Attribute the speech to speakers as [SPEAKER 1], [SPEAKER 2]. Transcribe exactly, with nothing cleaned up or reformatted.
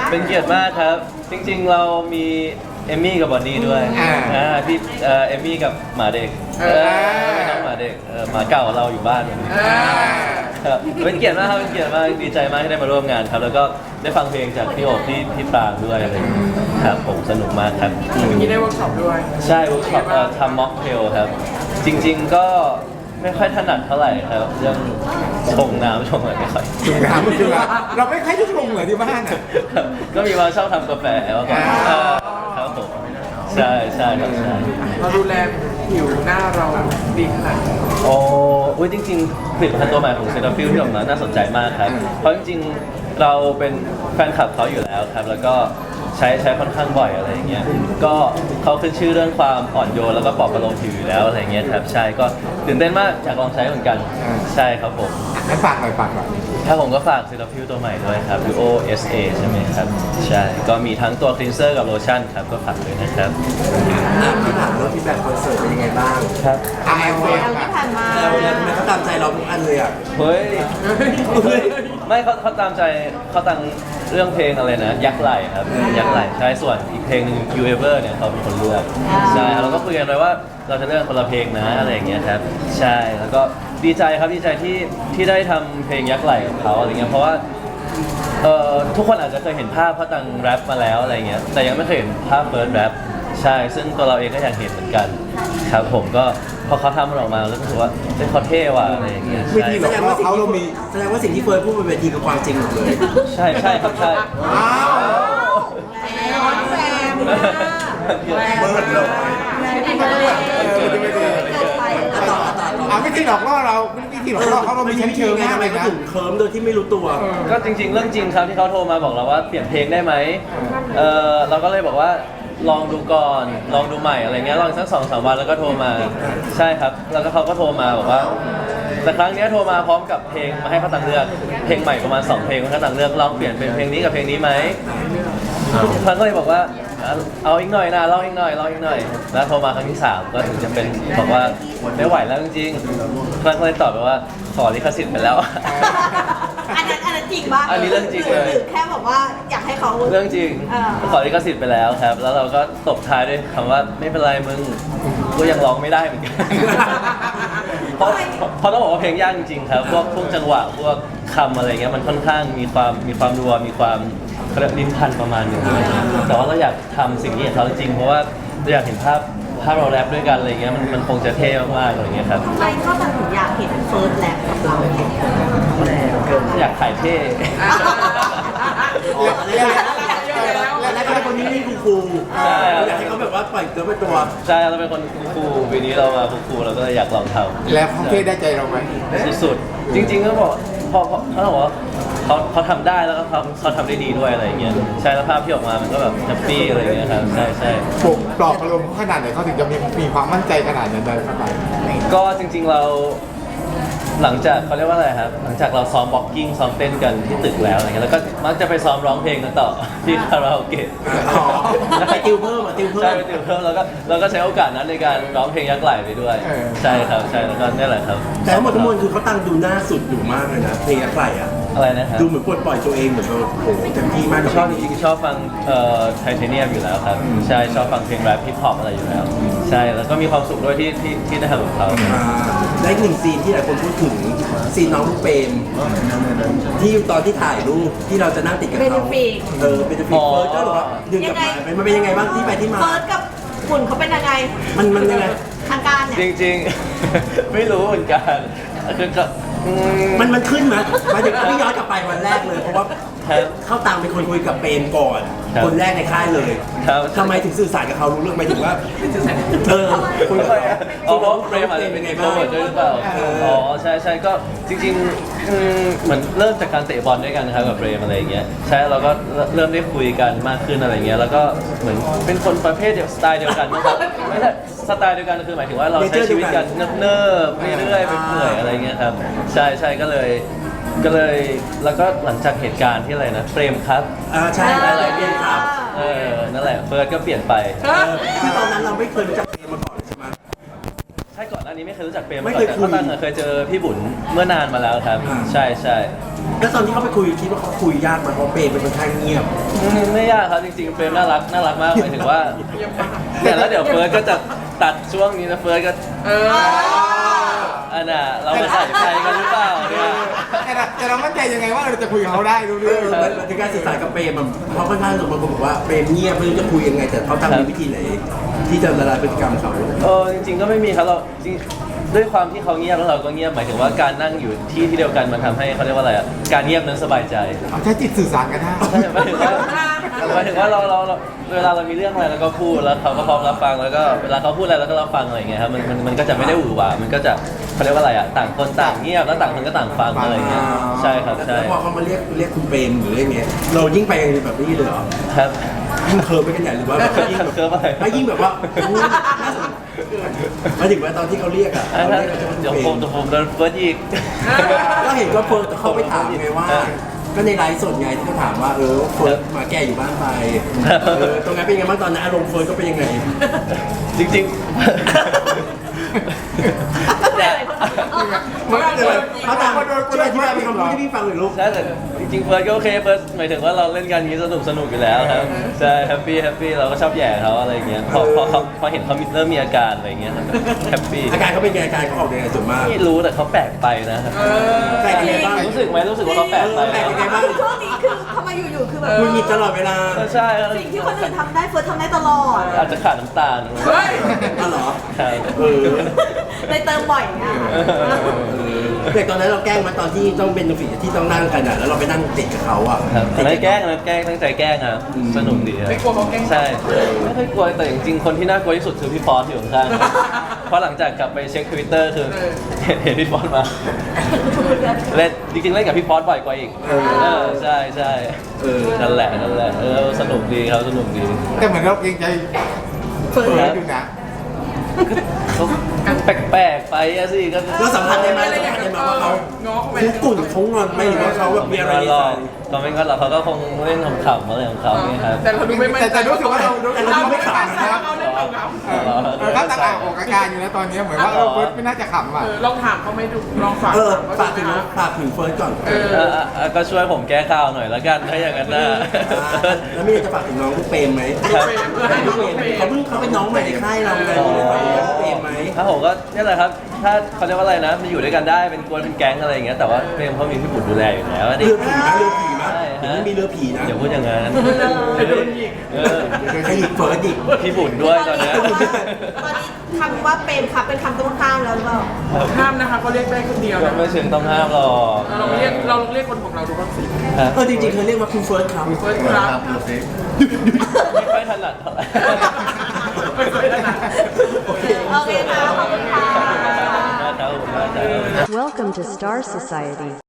[SPEAKER 1] เป็นเกียรติมากครับจริงๆเรามีเอมมี่กับบอนนี่ด้วยอ่าพี่เอ่อเอมมี่กับหมาเด็กเออไม่น้องหมาเด็กเออหมาเก่าเราอยู่บ้านครับเป็นเกียรติมากครับเป็นเกียรติมากดีใจมากที่ได้มาร่วมงานครับแล้วก็ได้ฟังเพลงจากพี่โอบพี่พี่ปรางด้วยอะไรอย่างเงี้ยครับผมสนุกมากครับ
[SPEAKER 2] เมื่อกี้ได้เวิร์กช็อปด้วย
[SPEAKER 1] ใช่เวิร์กช็อปทำม็อกเทลครับจริงๆก็ไม่ค่อยถนัดเท่าไหร่ครับเรื่องชงน้ำชงอะไรไม่ค่อย
[SPEAKER 3] จุ่มน้ำมันคือว่าเราไม่ค่อยจะชงเหรอที่บ้านอ่ะ
[SPEAKER 1] ก็มีมาชอบทำกาแฟแล้วก็ครับผมใช่ใช่ครับใช่
[SPEAKER 2] เราดูแลผิวหน้าเราดีขนาดไหน
[SPEAKER 1] โอ้อุ้ยจริงๆผลิตภัณฑ์ตัวใหม่ของเซราฟิลที่ออกมาน่าสนใจมากครับเพราะจริงๆเราเป็นแฟนคลับเขาอยู่แล้วครับแล้วก็ใช้ใช้ค่อนข้างบ่อยอะไรอย่างเงี้ยก็เขาขึ้นชื่อเรื่องความอ่อนโยนแล้วก็ปลอบประโลมผิวอยู่แล้วอะไรเงี้ยครับใช่ก็ตื่นเต้นมากอยากลองใช้เหมือนกันใช่ครับผม
[SPEAKER 3] ให้ฝากหน่อยฝากหน่อย
[SPEAKER 1] ถ้าผมก็ฝากซิลฟิลตัวใหม่ด้วยครับ Duo เอส เอ ใช่ไหมครับใช่ก็มีทั้งตัวคลีนเซอร์กับโลชั่นครับก็ฝากด้วยนะครับ
[SPEAKER 4] ที่ผ่านมาที่แบบคอนเสิร์ตเป็นยังไงบ้าง
[SPEAKER 1] ครับ
[SPEAKER 3] อ่าเฟซ
[SPEAKER 5] ที่ผ่านมา
[SPEAKER 4] แล้วแล้วทำไมเขาตามใจเราทุกอันเลยอ่ะ
[SPEAKER 1] เฮ้ยไม่เขาเขาตามใจเขาตั้งเรื่องเพลงอะไรนะยักษ์ไหลครับยักษ์ไหลใช่ส่วนอีกเพลงหนึง You Ever เนี่ยเขาเป็นคนเลือกใช่เราก็คุยกันไว้ว่าเราจะเลือกคนละเพลงนะอะไรอย่างเงี้ยครับใช่แล้วก็ดีใจครับดีใจที่ที่ได้ทำเพลงยักษ์ไหลกับเขาอะไรเงี้ยเพราะว่าเอ่อทุกคนอาจจะเคยเห็นภาพเขาตั้งแรปมาแล้วอะไรเงี้ยแต่ยังไม่เคยเห็นภาพเฟิร์สแรปใช่ซึ่งตัวเราเองก็อยากเห็นเหมือนกันครับผมก็พอเขาทำมันออกมาแล้วก็รู้สึกว่าเฮ้ยเขาเท่ว่ะอะไรอย่างเงี้ย
[SPEAKER 3] วิ
[SPEAKER 1] ใช่
[SPEAKER 3] ธีหลอกล่อเขาเรามี
[SPEAKER 4] แสดงว่าสิ่งที่เฟิร์นพูดบนเวทีคือความจริงหมดเลย
[SPEAKER 1] ใช่ใช่ครับใช่
[SPEAKER 3] อ้าว
[SPEAKER 5] แซม
[SPEAKER 3] เบิร์ดเลย
[SPEAKER 5] เบิร์ดเลย
[SPEAKER 3] เออจะไม่ดี
[SPEAKER 4] ต่อต่อต่อ
[SPEAKER 3] อ่าวิธีหลอกล่อเราวิธีหลอกล่อเขาเรามีชั้นเชิง
[SPEAKER 4] ไง
[SPEAKER 3] มาก
[SPEAKER 4] ทำไม
[SPEAKER 3] เลย
[SPEAKER 4] เขา
[SPEAKER 3] นะ
[SPEAKER 4] ถึงเคิร์มโดยที่ไม่รู้ตัว
[SPEAKER 1] ก็จริงๆ เรื่องจริงครับที่เขาโทรมาบอกเราว่าเปลี่ยนเพลงได้ไหมเออเราก็เลยบอกว่าลองดูก่อนลองดูใหม่อะไรเงี้ยลองสักสองสามวันแล้วก็โทรมาใช่ครับแล้วก็เขาก็โทรมาบอกว่าแต่ครั้งเนี้ยโทรมาพร้อมกับเพลงมาให้เขาตังเลือกเพลงใหม่ประมาณสองเพลงมาให้เขาตังเลือกลองเปลี่ยนเป็นเพลงนี้กับเพลงนี้ไหมครั้งก็เลยบอกว่าเอาอีกหน่อยนะลองอีกหน่อยลองอีกหน่อยแล้วโทรมาครั้งที่สามก็ถึงจะเป็นบอกว่าไม่ไหวแล้วจริงๆครั้งก็เลยตอบไปว่าขอลิขสิทธิ์ไปแล้ว
[SPEAKER 5] อันนั้นอันนั้นจริงป่ะ
[SPEAKER 1] อันนี้เรื่องจริงเลย
[SPEAKER 5] หรือแค่บอกว่าอยากให้เขา
[SPEAKER 1] เรื่องจริง
[SPEAKER 5] อ่า
[SPEAKER 1] ขอลิขสิทธิ์ไปแล้วครับ แล้วเราก็ตบท้ายด้วยคำว่าไม่เป็นไรมึงก็ยังร้องไม่ได้เหมือนกัน เพราะเพราะต้องบอกว่าเพลงยากจริงๆครับพวกพวกจังหวะพวกคำอะไรเงี้ยมันค่อนข้างมีความมีความรัวมีความเขาเรียกลิ้นพันประมาณหนึงแต่ว่าเราอยากทำสิ่งนี้กับเขาจริงๆเพราะว่าเราอยากเห็นภาพภาพเราแรปด้วยกันอะไรเงี้ยมันมันคงจะเท่มากๆอะไรเงี้ยครับ
[SPEAKER 5] ใครเข้าแต่ถึงอยากเห็นเฟิร์สแลบกับเรา
[SPEAKER 1] อยากถ่ายเท่
[SPEAKER 4] แล้วแล้วก็เป็นคนนี้นี่คูลๆ
[SPEAKER 1] ใช่
[SPEAKER 4] อยากให้เขาแบบว่าปล่อยตัวเป็นตัว
[SPEAKER 1] ใช่เราเป็นคนคูลๆปีนี้เรามาคูลๆเราก็เลยอยากลองทำ
[SPEAKER 3] แล้วเขาเท่ได้ใจเราไหม
[SPEAKER 1] สุดๆจริงๆก็บอกพอเขาบอกว่าเขาเขาทำได้แล้วก็เขาเขาทำได้ดีด้วยอะไรอย่างเงี้ยใช่แล้วภาพที่ออกมามันก็แบบแฮปปี้อะไรอย่างเงี้ยครับใช่ใช่
[SPEAKER 3] ปลุกปลอบอารมณ์ขนาดไหนเขาถึงจะมีมีความมั่นใจขนาดนั้นเลยเข้าไป
[SPEAKER 1] ก็จริงๆเราหลังจากเขาเรียกว่าอะไรครับหลังจากเราซ้อมบ็อกกิ้งซ้อมเต้นกันที่ตึกแล้วอะไรเงี้ยแล้วก็มักจะไปซ้อมร้องเพลงกันต่อที่คาราโอเกะ
[SPEAKER 4] อ๋อไปติวเพิ่มอ่ะติวเพิ่ม
[SPEAKER 1] ใช่ไปติวเพิ่มแล้วก็เราก็ใช้โอกาสนั้นในการร้องเพลงยักษ์ไหลไปด้วย ใช่ครับใช่แล้วก็นี่แหละครับ
[SPEAKER 4] แต่ทั้งหมดทั้งมวลคือเขาตั้งดูหน้าสุดอยู่มากเลยนะเพลงอะไรอ่ะ
[SPEAKER 1] อะไรนะครับ
[SPEAKER 4] ดูเหมือนปลดปล่อยตัวเองเหมือนแบบโอ้โหเต็มที่มากกับ
[SPEAKER 1] ชอบจริงๆชอบฟังเอ่อไทเทเนียมอยู่แล้วครับใช่ชอบฟังเพลงแรปฮิปฮอปอะไรอยู่แล้ว ใช่แล้วก็มีความสุขด้วยที่ที่ที่ได้ทำกับเขา
[SPEAKER 4] อ่าและอีกหนึ่งซีนที่หลายคนพูดถึงซีนน้องลูกเปรมที่ตอนที่ถ่ายรูปที่เราจะนั่งติดกับ
[SPEAKER 5] เบน
[SPEAKER 4] เขา
[SPEAKER 5] ฟิก
[SPEAKER 4] เออเป็นฟิกเฟิร์สก็หรอว่าดึงกลับมามันเป็นยังไงบ้างที่ไปที่มา
[SPEAKER 5] เฟิร์สกับหุ่นเขาเป็นยังไง
[SPEAKER 4] มันมันยังไง
[SPEAKER 5] ทางการเนี่ย
[SPEAKER 1] จริงๆ ไม่รู้เหมือนกันคือก็อืม
[SPEAKER 4] มันมันขึ้นไหมหมายถึงพี่ย้อนกลับไปวันแรกเลย เพราะว่า
[SPEAKER 1] ครับ
[SPEAKER 4] เข้าตังเป็นคนคุยกับเปรมก่อน
[SPEAKER 1] ครับ
[SPEAKER 4] คนแรกในค่ายเลย
[SPEAKER 1] ครับ
[SPEAKER 4] ทำไมถึงสื่อสารกับเขารู้เรื่องหมายถึงว่าเออคุยกับ
[SPEAKER 1] ทำไม
[SPEAKER 4] เขา
[SPEAKER 1] อะอ๋อเพราะเฟรมอาจจะเป็น
[SPEAKER 4] ไง
[SPEAKER 1] โปร
[SPEAKER 4] บ้าง
[SPEAKER 1] โมทด้วยหรือเปล่า
[SPEAKER 4] เออ
[SPEAKER 1] อ๋อใช่ใช่ก็จริงๆอืมเหมือนเริ่มจากการเตะบอลด้วยกันนะครับกับเฟรมอะไรอย่างเงี้ยใช่เราก็เริ่มได้คุยกันมากขึ้นอะไรเงี้ยแล้วก็เหมือนเป็นคนประเภทเดียวสไตล์เดียวกันนะครับไม่ใช่สไตล์เดียวกันคือหมายถึงว่าเราใช้ชีวิตกันเนิบๆเรื่อยๆไปเปื่อยอะไรเงี้ยครับใช่ใช่ก็เลยก็เลยแล้วก็หลังจากเหตุการณ์ที่อะไรนะเฟรมครับ
[SPEAKER 4] อ่าใช่อะไรเปลี่ยนครับ
[SPEAKER 1] เออนั่นแหละเฟิร์สก็เปลี่ยนไป
[SPEAKER 4] เออคือตอนนั้นเราไม่เคยรู้จักเปรมมาก่อนใช่ไหม
[SPEAKER 1] ใช่ก่อนหน้านนี้ไม่เคยรู้จักเปรม
[SPEAKER 4] ไม่
[SPEAKER 1] มาก่
[SPEAKER 4] เค
[SPEAKER 1] อย นแต่
[SPEAKER 4] คุย
[SPEAKER 1] เขาตั้งเคยเจอพี่บุญเมื่อนานมาแล้วครับ
[SPEAKER 4] อ่า
[SPEAKER 1] ใช่ใช่
[SPEAKER 4] แล้วตอนที่เขาไปคุยคิดว่าเขาคุยยากไหมเพราะเปรมเป็นคนข้างเงียบ
[SPEAKER 1] อืมไม่ยากครับจริงๆเฟรมน่ารักน่ารักมากหมายถึงว่าแต่แล้วเดี๋ยวเฟิร์สก็จะตัดช่วงนี้นะเฟิร์สก็
[SPEAKER 2] เออ
[SPEAKER 1] อันน่ะเราไปใส่ใจกันหรือเปล่าเนี่ย
[SPEAKER 3] แต่เราแต่เรามั่นใจยังไงว่าเราจะคุยกับเขาได้รู้
[SPEAKER 4] เอ
[SPEAKER 3] เรื่อง
[SPEAKER 4] อมันเป็นการสื่อสารกับเปรมอะเพราะค่อนข้างบางคนบอกว่าเปรมเงียบไม่รู้จะคุยยังไง แต่เขาทำมีวิธีไหน ที่จะละลายพฤติกรรมเขา
[SPEAKER 1] เออจริงๆก็ไม่มีครับเราจริงด้วยความที่เขาเงียบแล้วเราก็เงียบหมายถึงว่าการนั่งอยู่ที่ที่เดียวกันมันทำให้เขาเรียกว่าอะไรอ่ะการเงียบนั้นสบายใจ
[SPEAKER 3] เอาใช้จิตสื่อสารกันได้
[SPEAKER 1] ใช่หมายถึงว่าหมายถึงว่าเราเราเราเวลาเรามีเรื่องอะไรเราก็พูดแล้วเขาก็พร้อมรับฟังแล้วก็เวลาเขาพูดอะไรเราก็รับฟังอะไรอย่างเงี้ยครับมันมันมันก็จะไม่ได้หวือหวามันก็จะเขาเรียกว่าอะไรอ่ะต่างคนต่างเงียบแล้วต่างคนก็ต่างฟังอะไรอย่างเงี้ยใช่ครับใช่
[SPEAKER 4] แล้วพอเขามาเรียกเรียกคุณเปรมหรือเรียกเงี้ยเรายิ่งไปแบบนี้เลยเหรอ
[SPEAKER 1] ครับ
[SPEAKER 4] ยิ่งเคิร์ฟไปกันใหญ่หรือว่าแบบยิ่งแบบ
[SPEAKER 1] เคิร์ฟอะไร
[SPEAKER 4] ไม่ยิ่งแบบว่าอู้น่าสนหมายถึงว่าตอนที่เขาเรียกอ่ะ
[SPEAKER 1] อ่ะ
[SPEAKER 4] เขา
[SPEAKER 1] ถ้า
[SPEAKER 4] เรียกกัน
[SPEAKER 1] เดี๋ยว
[SPEAKER 4] ว่า
[SPEAKER 1] ผม
[SPEAKER 4] คุณ
[SPEAKER 1] เดี๋ยวผมโดนเฟิร์สอีก
[SPEAKER 4] ก็เห็นก็เฟิร์สเขาไปถามไงว่า ก็ในไลฟ์สดไงที่เขาถามว่าเออเฟิร์สมาแก่อยู่บ้านไปเออตรงนั้นเป็นยังไงบ้างตอนนั้นอารมณ์เฟิร์สก็เป็นยังไง
[SPEAKER 1] จริงๆเนี่ย
[SPEAKER 3] มันก็เลย
[SPEAKER 4] เขาถามช่วยอธิบายเป็นคำพูดที่พี่ฟังหน่อยลูก
[SPEAKER 1] ใช่แต่จริงๆเฟิร์สก็โอเคเฟิร์สหมายถึงว่าเราเล่นกันอย่างนี้สนุกสนุกอยู่แล้วครับใช่แฮปปี้แฮปปี้เราก็ชอบแหย่เขาอะไรอย่างเงี้ยพอพอเขาพอเห็นเขามีเริ่มมีอาการอะไรอย่างเงี้ยแฮปปี้
[SPEAKER 4] อาการเขาเป็นไงอาการเขาออกยังไงส่วนมาก
[SPEAKER 1] ไม่รู้แต่เขาแปลกไปนะครับ
[SPEAKER 4] แปลกยังไงบ้าง
[SPEAKER 1] รู้สึกไหมรู้สึกว่าเขาแปลกไป
[SPEAKER 4] แปลกยังไงบ้าง
[SPEAKER 5] คือช่วงนี้คือทำไมอยู่ๆคือแบบ
[SPEAKER 4] คุณหงิดตลอดเวลา
[SPEAKER 1] ใช่ครับ
[SPEAKER 5] สิ่งที่คนอื่นทำได้เฟิร์สทำได้ตลอด
[SPEAKER 1] อาจจะขาดน้ำตาล
[SPEAKER 2] เฮ้ย
[SPEAKER 4] อ๋อเหรอ
[SPEAKER 1] ครับ
[SPEAKER 4] เออ
[SPEAKER 5] เลยเติมบ่อยไง
[SPEAKER 4] แต่ตอนนั้นเราแกล้งมาตอนที่ต้องเป็นฝีที่ต้องนั่งกันอ่ะแล้วเราไปนั่งติดกับเขาอ่ะ
[SPEAKER 1] ครับอันนั้นแกล้งอันนั้นแกล้งตั้งใจแกล้งอ่ะสนุกดีครับ
[SPEAKER 2] ไม่กลัวเขาแกล้ง
[SPEAKER 1] ใช่ไม่ค่อยกลัวแต่จริงๆคนที่น่ากลัวที่สุดคือพี่ฟอสอยู่ข้างๆเพราะหลังจากกลับไปเช็คทวิตเตอร์คือเห็นเห็นพี่ฟอสมาเล่นจริงๆเล่นกับพี่ฟอสบ่อยกว่าอีกเออใช่ใช่
[SPEAKER 4] เออ
[SPEAKER 1] นั่นแหละนั่นแหละเออสนุกดีครับสนุกดี
[SPEAKER 3] แต่เหมือนเราเกรงใจเปิดอยู่นะ
[SPEAKER 1] เขาแปลกๆไปอะสิก็
[SPEAKER 4] เราสัมผัสได้ไหมสัมผัสได้ไหมว่าเขา
[SPEAKER 2] ง้อเข้าไป
[SPEAKER 4] คุกกุ่นเขางอนไหมหรือว่าเขาแบบมีอะไรใน
[SPEAKER 1] หร
[SPEAKER 4] ใจ
[SPEAKER 1] อกเขาไม่ก็หรอกเขาก็คงเล่นขำๆอะไรของเขาเนี่ยครับ
[SPEAKER 2] แต่เราดูไม่มั่นใจ
[SPEAKER 3] แต่แต่รู้สึกว่าเรารู้สึ
[SPEAKER 4] แต่
[SPEAKER 3] ก
[SPEAKER 4] เรา
[SPEAKER 3] ว่า
[SPEAKER 4] ไม่ขำนะครับ
[SPEAKER 2] เขาเล่นเรา
[SPEAKER 3] เออเออเขาต่างออกอาการอยู่นะตอนนี้เหมือนว่าเออเฟิร์สไม่น่าจะขำอ่ะ
[SPEAKER 2] เออลองถามเขาไม่ดูลองฝาก
[SPEAKER 4] เออ
[SPEAKER 2] ถาม
[SPEAKER 4] ฝาก
[SPEAKER 2] เขา
[SPEAKER 4] ถึง
[SPEAKER 2] ดูนะ
[SPEAKER 4] ฝากถึงเฟิร์สก่อน
[SPEAKER 2] เออ
[SPEAKER 1] เออเออก็ช่วยผมแก้ข่าวหน่อยแล้วกันถ้าอย่างนั้นนะ
[SPEAKER 4] แล้วมีอะไรจะฝากถึงน้องลูกเปรมไหม
[SPEAKER 1] ครับ
[SPEAKER 2] เออให้ดู
[SPEAKER 4] ลูกเปรมเขาเพิ่งเขาเป็นน้องใหม่ในค่ายเราไงมีอะไรฝากถึงน้องลูกเปรมไหม
[SPEAKER 1] ถ้าผมก็นี่แหละครับ ถ้าเขาเรียกว่าอะไรนะมาอยู่ด้วยกันได้เป็นกวนเป็นแก๊งอะไรอย่างเงี้ยแต่ว่าเฟรมเขามีพี่บุญดูแลอยู่แล้วนี่
[SPEAKER 4] เรือผีนะเรือผีนะ
[SPEAKER 1] ใช่
[SPEAKER 4] เดี๋ยว
[SPEAKER 1] ฮะ
[SPEAKER 4] นี้มีเรือผีนะ
[SPEAKER 1] อย่าพูดอย่างนั้น
[SPEAKER 2] เดี๋ยวโดนยิง
[SPEAKER 1] เออ
[SPEAKER 4] ใครหยิบเฟิร์สดิ
[SPEAKER 1] พี่บุญด้วยตอนเนี้ย
[SPEAKER 5] ตอนนี้คำว่าเป็นครับเป็นคำต้องห้ามแล้วหรือเปล่า
[SPEAKER 2] ห้ามนะคะเขาเรียกได้คนเดียว
[SPEAKER 1] ก็
[SPEAKER 2] นะ
[SPEAKER 1] ไม่เชิงต้องห้ามหรอก
[SPEAKER 2] เราเรียกเราลองเรียกคนของเราดูบ้างสิ
[SPEAKER 1] ครับ
[SPEAKER 4] เออจริงๆเคยเรียกว่าคุณเฟิร์สครับ
[SPEAKER 2] เฟิร์สครับ
[SPEAKER 1] ไม่ค่อยถนัดเท่าไหร่
[SPEAKER 2] ไม่เคยได้นะ
[SPEAKER 4] โอเค
[SPEAKER 5] โอเคค่ะขอบคุณค่ะ
[SPEAKER 1] ขอบคุณมากครับขอบคุณมากครับ
[SPEAKER 6] Welcome to Star Society.